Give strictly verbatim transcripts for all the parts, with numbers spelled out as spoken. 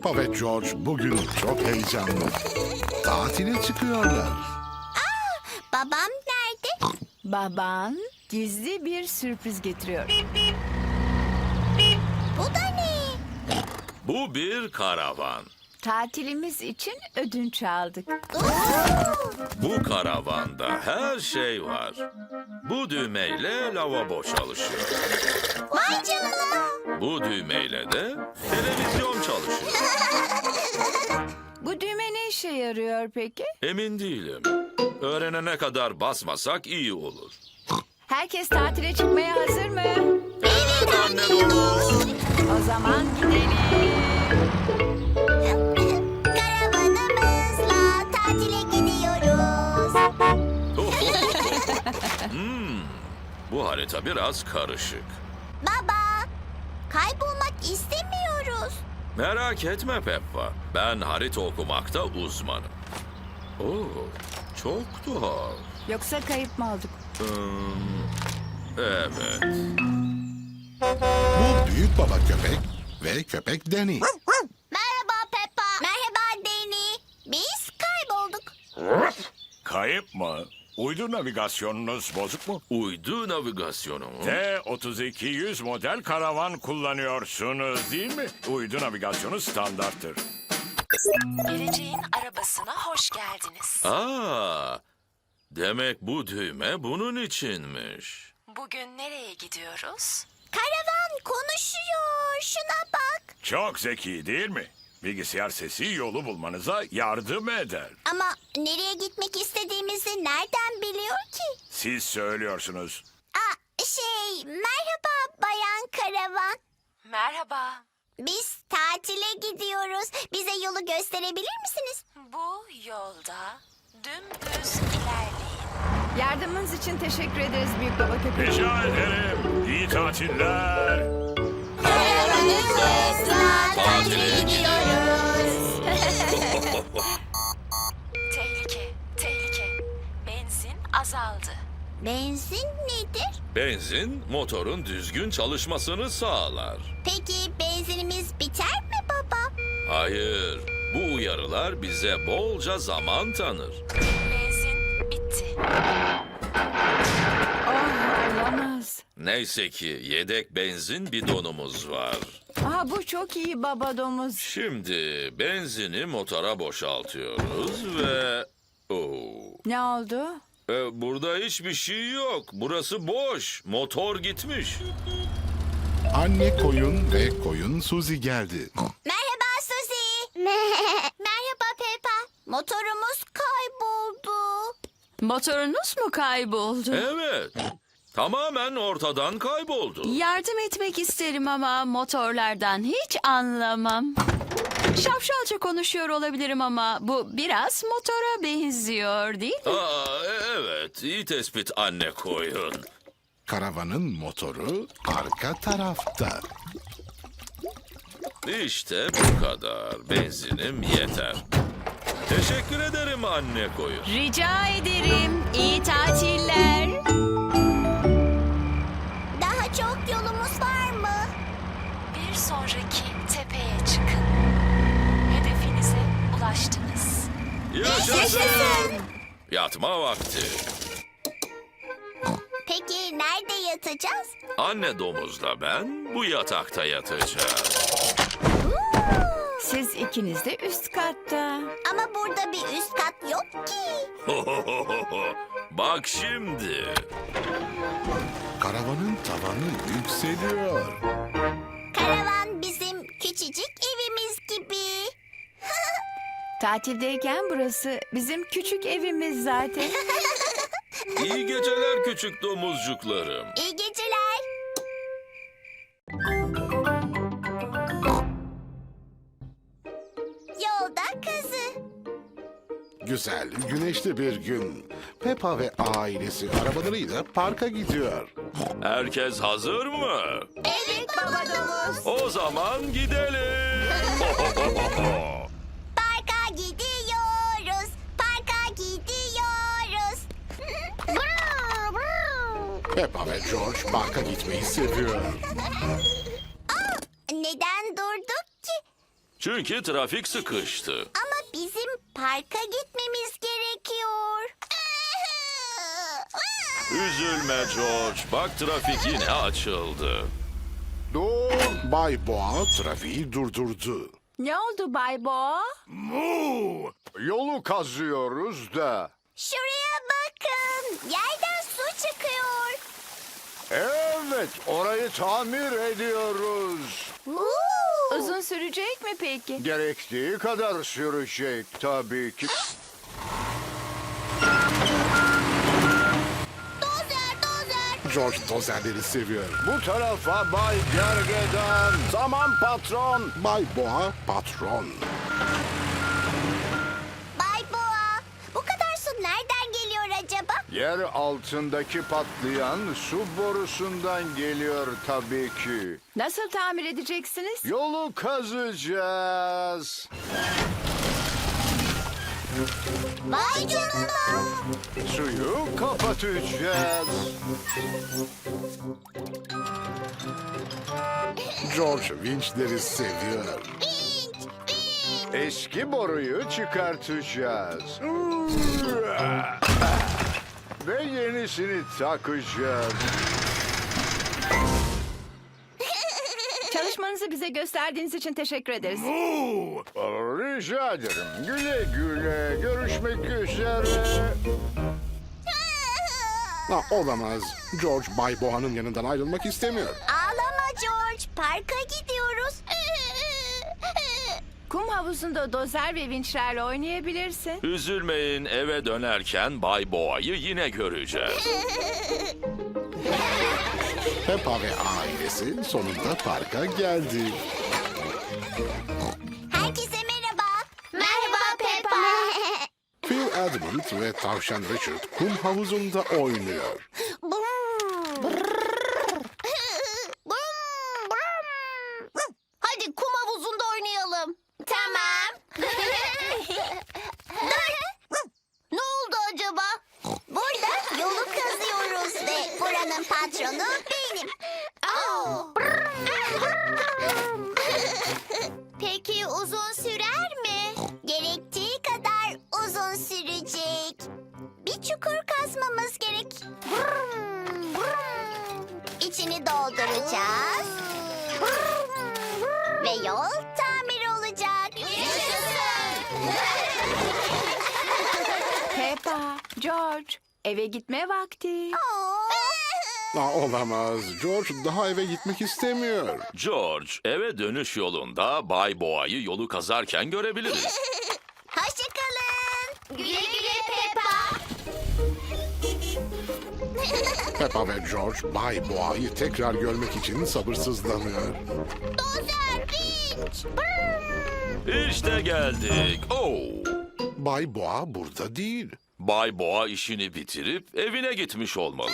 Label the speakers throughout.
Speaker 1: Peppa ve George bugün çok heyecanlı. Tatile çıkıyorlar.
Speaker 2: Babam nerede?
Speaker 3: Baban gizli bir sürpriz getiriyor.
Speaker 2: Bu da ne?
Speaker 4: Bu bir karavan.
Speaker 3: Tatilimiz için ödünç aldık.
Speaker 4: Bu karavanda her şey var. Bu düğmeyle lavabo çalışıyor.
Speaker 2: Vay canına.
Speaker 4: Bu düğmeyle de televizyon çalışıyor.
Speaker 3: Bu düğme ne işe yarıyor peki?
Speaker 4: Emin değilim. Öğrenene kadar basmasak iyi olur.
Speaker 3: Herkes tatile çıkmaya hazır mı?
Speaker 4: Evet anne domuz.
Speaker 3: O zaman gidelim.
Speaker 2: Karavanımızla tatile gidiyoruz.
Speaker 4: Hmm, bu harita biraz karışık.
Speaker 2: Baba, kaybolmak istemiyoruz.
Speaker 4: Merak etme Peppa. Ben harita okumakta uzmanım. Oo, çok tuhaf.
Speaker 3: Yoksa kayıp mı olduk?
Speaker 4: Hmm, evet.
Speaker 1: Bu büyük baba köpek ve köpek Danny.
Speaker 2: Merhaba Peppa. Merhaba Danny. Biz kaybolduk.
Speaker 5: Kayıp mı? Uydu navigasyonunuz bozuk mu?
Speaker 4: Uydu navigasyonu mu?
Speaker 5: T otuz iki yüz model karavan kullanıyorsunuz değil mi? Uydu navigasyonu standarttır.
Speaker 6: Geleceğin arabasına hoş geldiniz.
Speaker 4: Aa, demek bu düğme bunun içinmiş.
Speaker 6: Bugün nereye gidiyoruz?
Speaker 2: Karavan konuşuyor. Şuna bak.
Speaker 5: Çok zeki değil mi? Bilgisayar sesi yolu bulmanıza yardım eder.
Speaker 2: Ama nereye gitmek istediğimizi nereden biliyor ki?
Speaker 5: Siz söylüyorsunuz.
Speaker 2: Aa, şey, merhaba Bayan Karavan.
Speaker 6: Merhaba.
Speaker 2: Biz tatile gidiyoruz. Bize yolu gösterebilir misiniz?
Speaker 6: Bu yolda dümdüz ilerleyin.
Speaker 3: Yardımınız için teşekkür ederiz büyük baba köpek.
Speaker 5: Rica ederim. İyi tatiller.
Speaker 2: Karavanımızla tatile gidiyoruz.
Speaker 6: Tehlike, tehlike. Benzin azaldı.
Speaker 2: Benzin nedir?
Speaker 4: Benzin motorun düzgün çalışmasını sağlar.
Speaker 2: Peki benzinimiz biter mi baba?
Speaker 4: Hayır, bu uyarılar bize bolca zaman tanır.
Speaker 6: Benzin bitti.
Speaker 3: Oh, olamaz.
Speaker 4: Neyse ki yedek benzin bidonumuz var.
Speaker 3: Aha, bu çok iyi baba domuz.
Speaker 4: Şimdi benzini motora boşaltıyoruz ve... Oo.
Speaker 3: Ne oldu?
Speaker 4: E, burada hiçbir şey yok. Burası boş. Motor gitmiş.
Speaker 1: Anne koyun ve koyun Suzy geldi.
Speaker 2: Merhaba Suzy. Merhaba Peppa. Motorumuz kayboldu.
Speaker 7: Motorunuz mu kayboldu?
Speaker 4: Evet. Tamamen ortadan kayboldu.
Speaker 7: Yardım etmek isterim ama motorlardan hiç anlamam. Şapşalca konuşuyor olabilirim ama bu biraz motora benziyor değil mi?
Speaker 4: Aa, e- evet. İyi tespit anne koyun.
Speaker 1: Karavanın motoru arka tarafta.
Speaker 4: İşte bu kadar. Benzinim yeter. Teşekkür ederim anne koyun.
Speaker 7: Rica ederim. İyi tatiller.
Speaker 2: Daha çok yolumuz var mı?
Speaker 6: Bir sonraki tepeye çıkın. Hedefinize ulaştınız.
Speaker 4: Yaşasın. Yatma vakti.
Speaker 2: Peki nerede yatacağız?
Speaker 4: Anne domuzla ben bu yatakta yatacağız.
Speaker 3: Siz ikiniz de üst katta.
Speaker 2: Ama burada bir üst kat yok ki.
Speaker 4: Bak şimdi.
Speaker 1: Karavanın tavanı yükseliyor.
Speaker 2: Karavan bizim küçücük evimiz gibi.
Speaker 3: Tatildeyken burası bizim küçük evimiz zaten.
Speaker 4: İyi geceler küçük domuzcuklarım.
Speaker 2: İyi geceler. Yolda kazı.
Speaker 1: Güzel, güneşli bir gün. Peppa ve ailesi arabalarıyla parka gidiyor.
Speaker 4: Herkes hazır mı?
Speaker 2: Evet baba domuz.
Speaker 4: O zaman gidelim.
Speaker 2: Parka gidiyoruz. Parka gidiyoruz. Brr, brr.
Speaker 1: Peppa ve George parka gitmeyi seviyor.
Speaker 2: Neden durduk ki?
Speaker 4: Çünkü trafik sıkıştı.
Speaker 2: Ama bizim parka gitmemiz gerekiyor.
Speaker 4: Üzülme George. Bak trafik yine açıldı.
Speaker 1: Dur. Bay Boğa trafiği durdurdu.
Speaker 3: Ne oldu Bay Boğa?
Speaker 8: Mu! Yolu kazıyoruz da.
Speaker 2: Şuraya bakın. Yerden su çıkıyor.
Speaker 8: Evet, orayı tamir ediyoruz.
Speaker 2: Uuu.
Speaker 3: Uzun sürecek mi peki?
Speaker 8: Gerektiği kadar sürecek tabii ki.
Speaker 2: Dozer, dozer.
Speaker 1: George dozerleri seviyor.
Speaker 8: Bu tarafa Bay Gergedan. Tamam patron.
Speaker 1: Bay Boğa patron.
Speaker 2: Bay Boğa, bu kadar su nereden geliyor acaba?
Speaker 8: Yer altındaki patlayan su borusundan geliyor tabii ki.
Speaker 3: Nasıl tamir edeceksiniz?
Speaker 8: Yolu kazacağız.
Speaker 2: Vay canına.
Speaker 8: Suyu kapatacağız.
Speaker 1: George vinçleri seviyor.
Speaker 2: Vinç, vinç.
Speaker 8: Eski boruyu çıkartacağız. Ve yenisini takacağız.
Speaker 3: Çalışmanızı bize gösterdiğiniz için teşekkür ederiz.
Speaker 8: Rica ederim. Güle güle. Görüşmek üzere.
Speaker 1: Ha, olamaz. George Bay Boğa'nın yanından ayrılmak istemiyor.
Speaker 2: Ağlama George, parka gidiyoruz.
Speaker 3: Kum havuzunda dozer ve vinçlerle oynayabilirsin.
Speaker 4: Üzülmeyin, eve dönerken Bay Boğa'yı yine göreceğiz.
Speaker 1: Peppa ve ailesi sonunda parka geldi.
Speaker 2: Herkese merhaba. Merhaba Peppa.
Speaker 1: Phil Edmund ve tavşan Richard kum havuzunda oynuyor.
Speaker 2: Hadi kum havuzunda oynayalım. Tamam. Ne oldu acaba? Burada yolu kazıyoruz ve buranın patronu benim. Peki uzun sürer mi? Gerektiği kadar uzun sürecek. Bir çukur kazmamız gerek. İçini dolduracağız. Ve yol tamir olacak.
Speaker 3: Peppa, George, eve gitme vakti.
Speaker 1: Ha, olamaz. George daha eve gitmek istemiyor.
Speaker 4: George, eve dönüş yolunda Bay Boğa'yı yolu kazarken görebiliriz.
Speaker 2: Hoşçakalın. Güle güle Peppa.
Speaker 1: Peppa ve George Bay Boğa'yı tekrar görmek için sabırsızlanıyor.
Speaker 2: Dozer, vinç.
Speaker 4: İşte geldik. Oo.
Speaker 1: Bay Boğa burada değil.
Speaker 4: Bay Boğa işini bitirip evine gitmiş olmalı.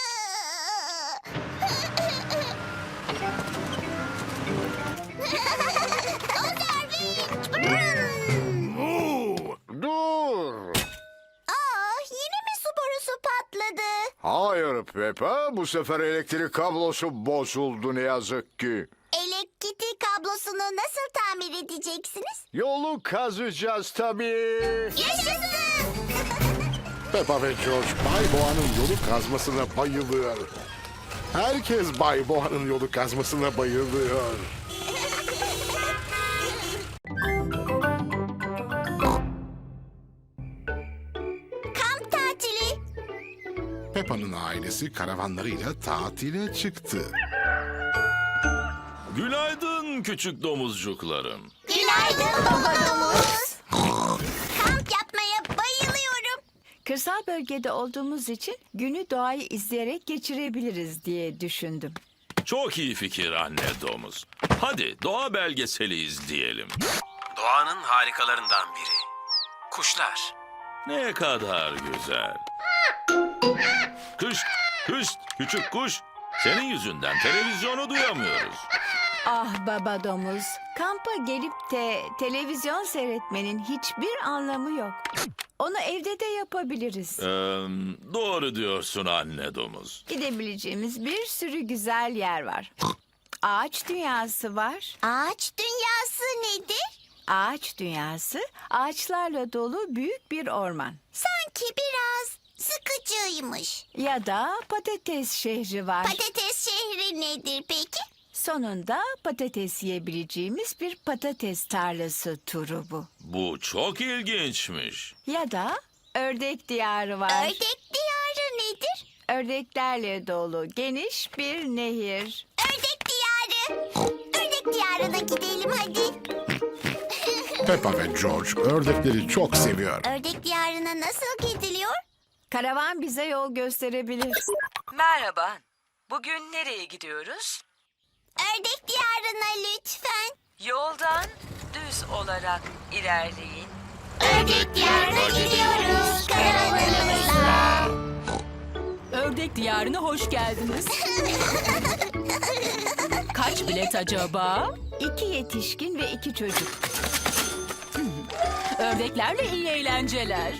Speaker 8: Dur.
Speaker 2: Aa, yine mi su borusu patladı?
Speaker 8: Hayır Peppa, bu sefer elektrik kablosu bozuldu ne yazık ki.
Speaker 2: Elektrik kablosunu nasıl tamir edeceksiniz?
Speaker 8: Yolu kazacağız tabii.
Speaker 2: Yaşasın!
Speaker 1: Peppa ve George Bay Boğa'nın yolu kazmasına bayılıyor. Herkes Bay Boğa'nın yolu kazmasına bayılıyor.
Speaker 2: Kamp tatili.
Speaker 1: Peppa'nın ailesi karavanlarıyla tatile çıktı.
Speaker 4: Günaydın küçük domuzcuklarım.
Speaker 2: Günaydın baba domuz. Kamp yapmaya bayılıyorum.
Speaker 3: Kırsal bölgede olduğumuz için günü doğayı izleyerek geçirebiliriz diye düşündüm.
Speaker 4: Çok iyi fikir anne domuz. Hadi doğa belgeseli izleyelim.
Speaker 9: Doğanın harikalarından biri. Kuşlar.
Speaker 4: Ne kadar güzel. Kış, kış, küçük kuş. Senin yüzünden televizyonu duyamıyoruz.
Speaker 3: Ah baba domuz, kampa gelip de televizyon seyretmenin hiçbir anlamı yok. Onu evde de yapabiliriz.
Speaker 4: Ee, doğru diyorsun anne domuz.
Speaker 3: Gidebileceğimiz bir sürü güzel yer var. Ağaç dünyası var.
Speaker 2: Ağaç dünyası nedir?
Speaker 3: Ağaç dünyası ağaçlarla dolu büyük bir orman.
Speaker 2: Sanki biraz sıkıcıymış.
Speaker 3: Ya da patates şehri var.
Speaker 2: Patates şehri nedir peki?
Speaker 3: Sonunda patates yiyebileceğimiz bir patates tarlası turu bu.
Speaker 4: Bu çok ilginçmiş.
Speaker 3: Ya da ördek diyarı var.
Speaker 2: Ördek diyarı nedir?
Speaker 3: Ördeklerle dolu geniş bir nehir.
Speaker 2: Ördek diyarı. Ördek diyarına gidelim hadi.
Speaker 1: Peppa ve George ördekleri çok seviyor.
Speaker 2: Ördek diyarına nasıl gidiliyor?
Speaker 3: Karavan bize yol gösterebilir.
Speaker 10: Merhaba. Bugün nereye gidiyoruz?
Speaker 2: Ördek diyarına lütfen.
Speaker 10: Yoldan düz olarak ilerleyin.
Speaker 2: Ördek diyarına gidiyoruz karavanımızla.
Speaker 7: Ördek diyarına hoş geldiniz. Kaç bilet acaba?
Speaker 3: İki yetişkin ve iki çocuk.
Speaker 7: Ördeklerle iyi eğlenceler.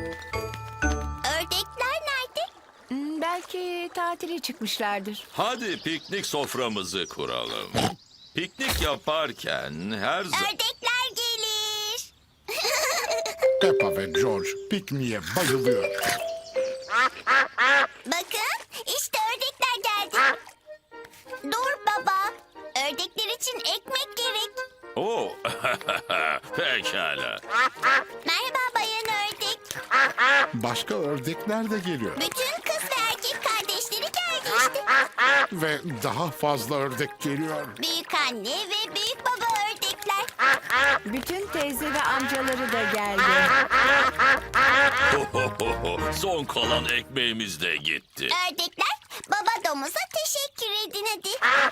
Speaker 2: Ördekler nerede?
Speaker 3: Hmm, belki tatile çıkmışlardır.
Speaker 4: Hadi piknik soframızı kuralım. Piknik yaparken her zaman...
Speaker 2: Ördekler gelir.
Speaker 1: Peppa ve George pikniğe bayılıyor.
Speaker 2: Bakın işte ördekler geldi. Dur baba. Ördekler için ekmek gerek.
Speaker 4: Oo, pekala.
Speaker 2: Merhaba bayan ördek.
Speaker 1: Başka ördekler de geliyor.
Speaker 2: Bütün kız ve erkek kardeşleri geldi işte.
Speaker 1: Ve daha fazla ördek geliyor.
Speaker 2: Büyük anne ve büyük baba ördekler.
Speaker 3: Bütün teyze ve amcaları da geldi.
Speaker 4: Son kalan ekmeğimiz de gitti.
Speaker 2: Ördekler baba domuza teşekkür edin hadi.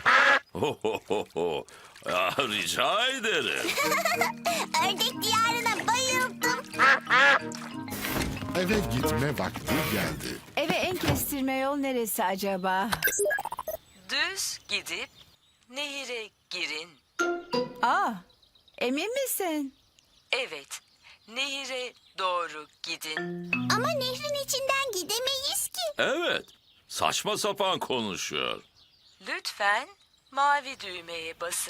Speaker 4: Ah, rica ederim.
Speaker 2: Ördek diyarına bayıldım.
Speaker 1: Eve gitme vakti geldi.
Speaker 3: Eve en kestirme yol neresi acaba?
Speaker 10: Düz gidip nehire girin.
Speaker 3: Aa, emin misin?
Speaker 10: Evet, nehire doğru gidin.
Speaker 2: Ama nehrin içinden gidemeyiz ki.
Speaker 4: Evet, saçma sapan konuşuyor.
Speaker 10: Lütfen mavi düğmeye basın.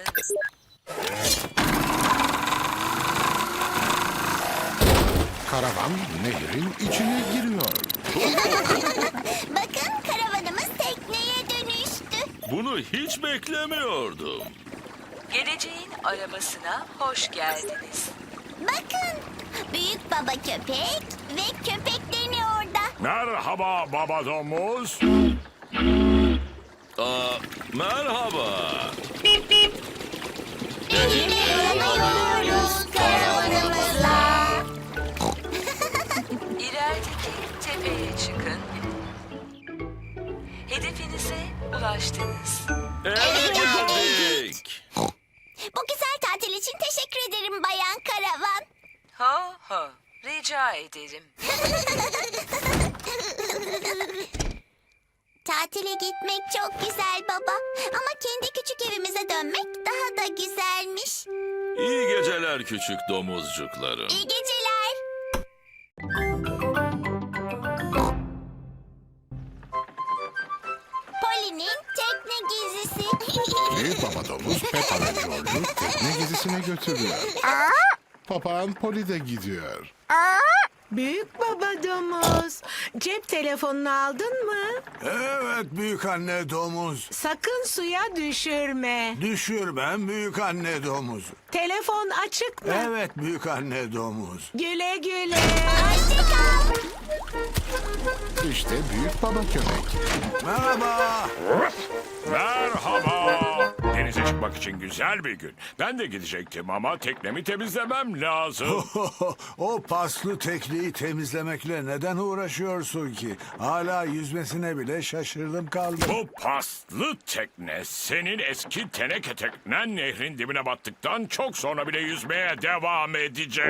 Speaker 1: Karavan nehrin içine giriyor.
Speaker 2: Bakın karavanımız tekneye dönüştü.
Speaker 4: Bunu hiç beklemiyordum.
Speaker 10: Geleceğin arabasına hoş geldiniz.
Speaker 2: Bakın büyük baba köpek ve köpeklerini orada.
Speaker 5: Merhaba baba domuz.
Speaker 4: Aa, merhaba.
Speaker 2: Nehirle yolluyoruz karavanımızla.
Speaker 10: İlerideki tepeye çıkın. Hedefinize ulaştınız.
Speaker 4: Eve geldik.
Speaker 2: Bu güzel tatil için teşekkür ederim bayan karavan.
Speaker 10: Ho ho, rica ederim.
Speaker 2: Tatile gitmek çok güzel baba. Ama kendi küçük evimize dönmek daha da güzelmiş.
Speaker 4: İyi geceler küçük domuzcuklarım.
Speaker 2: İyi geceler. Poli'nin tekne gezisi.
Speaker 1: Büyük baba domuz Peppa ve George'u tekne gezisine götürüyor. Papağan Poli de gidiyor.
Speaker 11: Büyük baba domuz. Cep telefonunu aldın mı?
Speaker 8: Evet büyük anne domuz.
Speaker 11: Sakın suya düşürme.
Speaker 8: Düşürmem büyük anne domuz.
Speaker 11: Telefon açık mı?
Speaker 8: Evet büyük anne domuz.
Speaker 11: Güle güle.
Speaker 2: Hoşçakal.
Speaker 1: İşte büyük baba köpek.
Speaker 8: Merhaba.
Speaker 5: Merhaba. Denize çıkmak için güzel bir gün. Ben de gidecektim ama teknemi temizlemem lazım.
Speaker 8: O paslı tekneyi temizlemekle neden uğraşıyorsun ki? Hala yüzmesine bile şaşırdım kaldım.
Speaker 5: Bu paslı tekne senin eski teneke teknen nehrin dibine battıktan çok sonra bile yüzmeye devam edecek.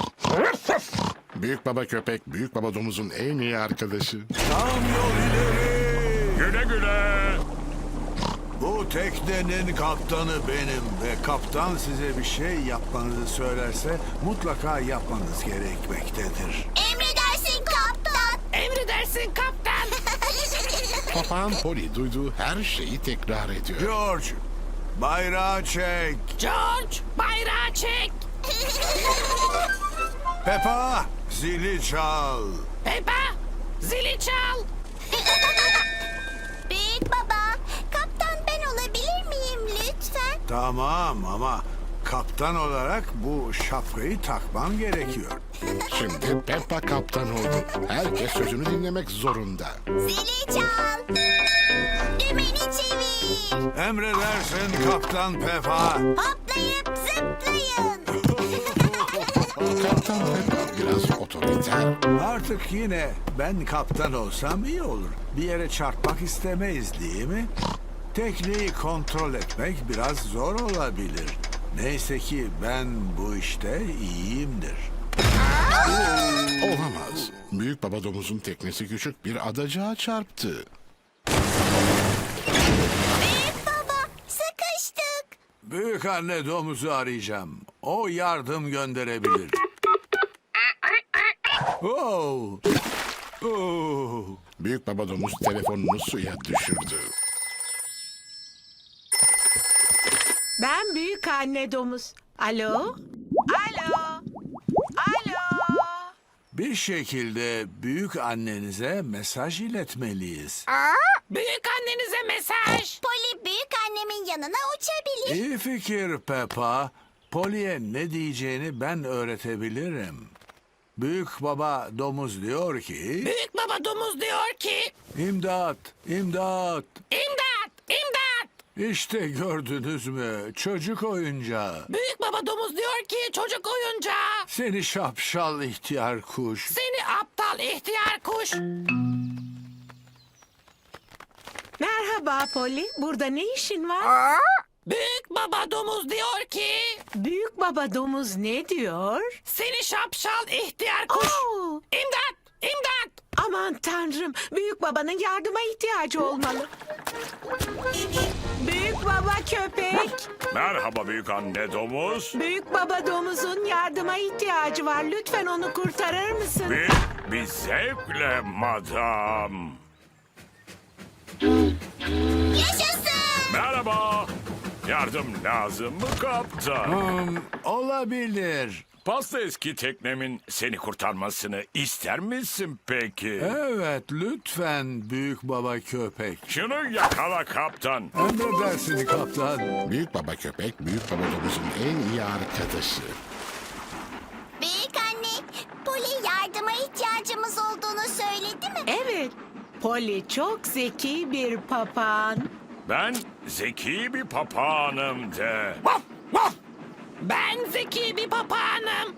Speaker 1: Büyük baba köpek büyük baba domuzun en iyi arkadaşı.
Speaker 8: Tam yol ileri.
Speaker 5: Güle güle.
Speaker 8: Bu teknenin kaptanı benim ve kaptan size bir şey yapmanızı söylerse mutlaka yapmanız gerekmektedir.
Speaker 2: Emredersin kaptan.
Speaker 11: Emredersin kaptan.
Speaker 1: Papağan Poli duyduğu her şeyi tekrar ediyor.
Speaker 8: George, bayrağı çek.
Speaker 11: George, bayrağı çek.
Speaker 8: Peppa, zili çal.
Speaker 11: Peppa, zili çal.
Speaker 2: Büyük baba, kaptan ben olabilir miyim lütfen?
Speaker 8: Tamam ama kaptan olarak bu şapkayı takman gerekiyor.
Speaker 1: Şimdi Peppa kaptan oldu. Herkes sözünü dinlemek zorunda.
Speaker 2: Zili çal. Dümeni çevir.
Speaker 8: Emredersin Kaptan Peppa.
Speaker 2: Hoplayıp zıplayın.
Speaker 1: Kaptan Peppa biraz otoriter.
Speaker 8: Artık yine ben kaptan olsam iyi olur. Bir yere çarpmak istemeyiz değil mi? Tekneyi kontrol etmek biraz zor olabilir. Neyse ki ben bu işte iyiyimdir.
Speaker 1: Olamaz. Büyük baba domuzun teknesi küçük bir adacığa çarptı.
Speaker 2: Büyük baba, sıkıştık.
Speaker 8: Büyük anne domuzu arayacağım. O yardım gönderebilir. Oh. Oh.
Speaker 1: Büyük baba domuz telefonunu suya düşürdü.
Speaker 11: Ben büyük anne domuz. Alo? Alo? Alo?
Speaker 8: Bir şekilde büyük annenize mesaj iletmeliyiz.
Speaker 11: Büyük annenize mesaj.
Speaker 2: Poli büyük annemin yanına uçabilir.
Speaker 8: İyi fikir Peppa. Polly'e ne diyeceğini ben öğretebilirim. Büyük baba domuz diyor ki...
Speaker 11: Büyük baba domuz diyor ki...
Speaker 8: İmdat, imdat.
Speaker 11: İmdat, imdat.
Speaker 8: İşte gördünüz mü çocuk oyuncağı.
Speaker 11: Büyük baba domuz diyor ki çocuk oyuncağı.
Speaker 8: Seni şapşal ihtiyar kuş.
Speaker 11: Seni aptal ihtiyar kuş. Merhaba Polly. Burada ne işin var? Büyük baba domuz diyor ki... Büyük baba domuz ne diyor? Seni şapşal ihtiyar kuş. İmdat! İmdat! Aman tanrım. Büyük babanın yardıma ihtiyacı olmalı. Büyük baba köpek.
Speaker 5: Merhaba büyük anne domuz.
Speaker 11: Büyük baba domuzun yardıma ihtiyacı var. Lütfen onu kurtarır mısın?
Speaker 5: Bir, bir zevkle madam.
Speaker 2: Yaşasın.
Speaker 5: Merhaba. Yardım lazım mı kaptan?
Speaker 8: Hmm, olabilir.
Speaker 5: Pasta eski teknemin seni kurtarmasını ister misin peki?
Speaker 8: Evet lütfen büyük baba köpek.
Speaker 5: Şunu yakala kaptan.
Speaker 8: Emredersin kaptan.
Speaker 1: Büyük baba köpek, büyük baba domuzun en iyi arkadaşı.
Speaker 2: Büyük anne, Poli yardıma ihtiyacımız olduğunu söyledi mi?
Speaker 11: Evet. Polly çok zeki bir papağan.
Speaker 5: Ben zeki bir papağanım de.
Speaker 11: Ben zeki bir papağanım.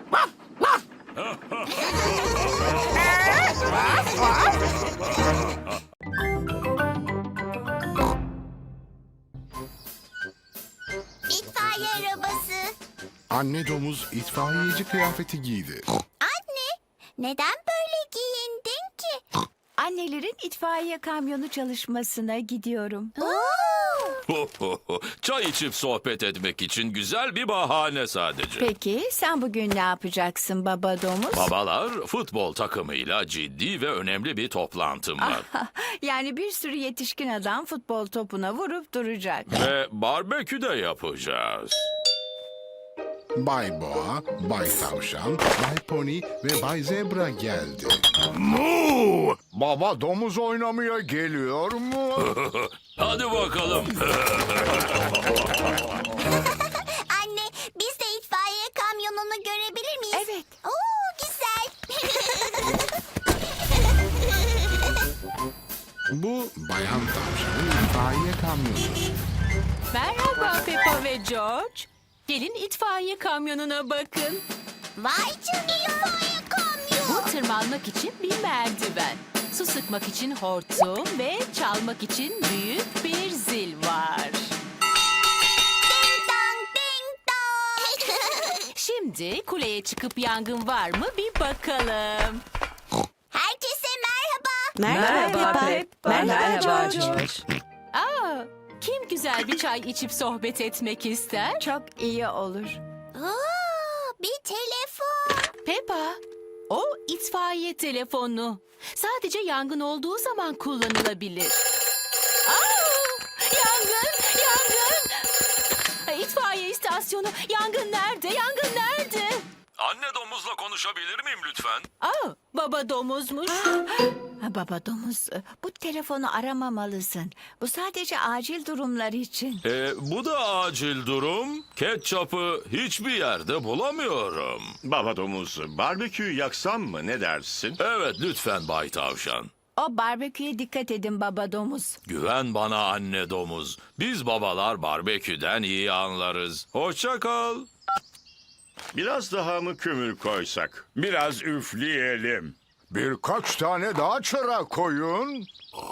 Speaker 2: İtfaiye arabası.
Speaker 1: Anne domuz itfaiyeci kıyafeti giydi.
Speaker 2: Anne, neden böyle giyindin ki?
Speaker 3: Annelerin itfaiye kamyonu çalışmasına gidiyorum.
Speaker 4: Çay içip sohbet etmek için güzel bir bahane sadece.
Speaker 3: Peki sen bugün ne yapacaksın baba domuz?
Speaker 4: Babalar futbol takımıyla ciddi ve önemli bir toplantım var.
Speaker 3: Yani bir sürü yetişkin adam futbol topuna vurup duracak.
Speaker 4: Ve barbekü de yapacağız.
Speaker 1: Bay Boğa, Bay Tavşan, Bay Pony ve Bay Zebra geldi.
Speaker 8: Mu! Baba domuz oynamaya geliyor mu?
Speaker 4: Hadi bakalım.
Speaker 2: Anne, biz de itfaiye kamyonunu görebilir miyiz?
Speaker 3: Evet.
Speaker 2: Oo, güzel.
Speaker 1: Bu Bayan Tavşan'ın itfaiye kamyonu.
Speaker 7: Merhaba Peppa ve George. Gelin itfaiye kamyonuna bakın.
Speaker 2: Vay canına itfaiye kamyon.
Speaker 7: Bu tırmanmak için bir merdiven. Su sıkmak için hortum ve çalmak için büyük bir zil var.
Speaker 2: Ding dong, ding dong.
Speaker 7: Şimdi kuleye çıkıp yangın var mı bir bakalım.
Speaker 2: Herkese merhaba.
Speaker 11: Merhaba Pep.
Speaker 7: Merhaba George. Aa, kim güzel bir çay içip sohbet etmek ister?
Speaker 3: Çok iyi olur.
Speaker 2: Oo, bir telefon.
Speaker 7: Peppa, o itfaiye telefonu. Sadece yangın olduğu zaman kullanılabilir. Aa, yangın, yangın. istasyonu. Yangın nerede? Yangın nerede?
Speaker 4: Anne domuzla konuşabilir miyim lütfen?
Speaker 11: Aa, baba domuzmuş.
Speaker 3: Ha, baba domuz, bu telefonu aramamalısın. Bu sadece acil durumlar için.
Speaker 4: Ee, bu da acil durum. Ketçapı hiçbir yerde bulamıyorum.
Speaker 12: Baba domuz, barbeküyü yaksam mı, ne dersin?
Speaker 4: Evet lütfen Bay Tavşan.
Speaker 3: O barbeküye dikkat edin baba domuz.
Speaker 4: Güven bana anne domuz. Biz babalar barbeküden iyi anlarız. Hoşça kal.
Speaker 12: Biraz daha mı kömür koysak?
Speaker 5: Biraz üfleyelim.
Speaker 8: Birkaç tane daha çıra koyun.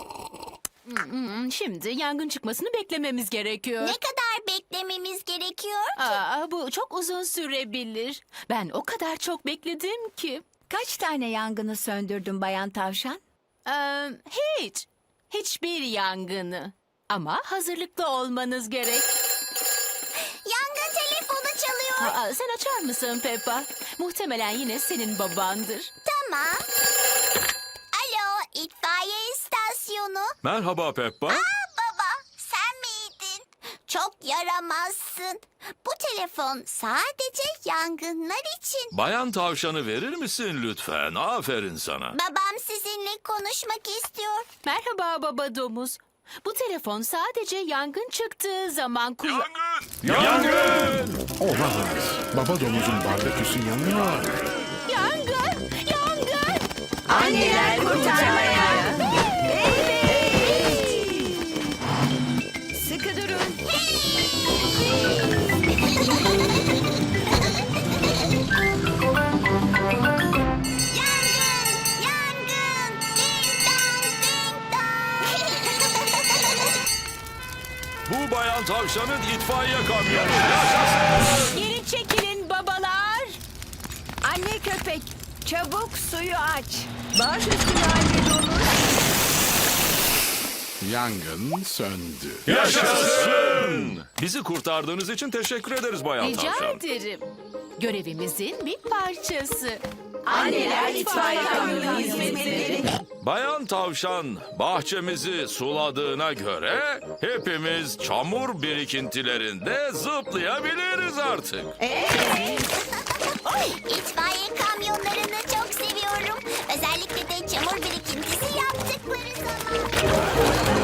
Speaker 7: Şimdi yangın çıkmasını beklememiz gerekiyor.
Speaker 2: Ne kadar beklememiz gerekiyor?
Speaker 7: Aa, bu çok uzun sürebilir. Ben o kadar çok bekledim ki.
Speaker 3: Kaç tane yangını söndürdün Bayan Tavşan?
Speaker 7: Ee, hiç. Hiçbir yangını. Ama hazırlıklı olmanız gerek.
Speaker 2: Yangın telefonu çalıyor.
Speaker 7: Aa, sen açar mısın Peppa? Muhtemelen yine senin babandır.
Speaker 2: Tamam. Alo, itfaiye istasyonu.
Speaker 4: Merhaba Peppa.
Speaker 2: Aa baba, sen miydin? Çok yaramazsın. Bu telefon sadece yangınlar için.
Speaker 4: Bayan Tavşan'ı verir misin lütfen? Aferin sana.
Speaker 2: Babam sizinle konuşmak istiyor.
Speaker 7: Merhaba baba domuz. Bu telefon sadece yangın çıktığı zaman kullan...
Speaker 4: Yangın!
Speaker 1: Olamaz. Baba domuzun barbeküsü yanıyor.
Speaker 7: Yangın! Yangın!
Speaker 3: Anneler kurtarmaya. Sıkı durun.
Speaker 2: Yangın! Yangın! Ding dong, ding dong.
Speaker 4: Bu Bayan Tavşan'ın itfaiye kamyonu. Yaşasın!
Speaker 7: Geri çekilin babalar.
Speaker 3: Anne köpek, çabuk suyu aç. Baş üstüne anne domuz.
Speaker 1: Yangın söndü.
Speaker 4: Yaşasın! Bizi kurtardığınız için teşekkür ederiz Bayan
Speaker 7: Rica
Speaker 4: Tavşan.
Speaker 7: ederim. Görevimizin bir parçası.
Speaker 3: Anneler itfaiye kamyonu hizmetleri.
Speaker 4: Bayan Tavşan bahçemizi suladığına göre hepimiz çamur birikintilerinde zıplayabiliriz artık.
Speaker 2: İtfaiye kamyonlarını çok seviyorum. Özellikle de çamur birikintisi yaptıkları zaman.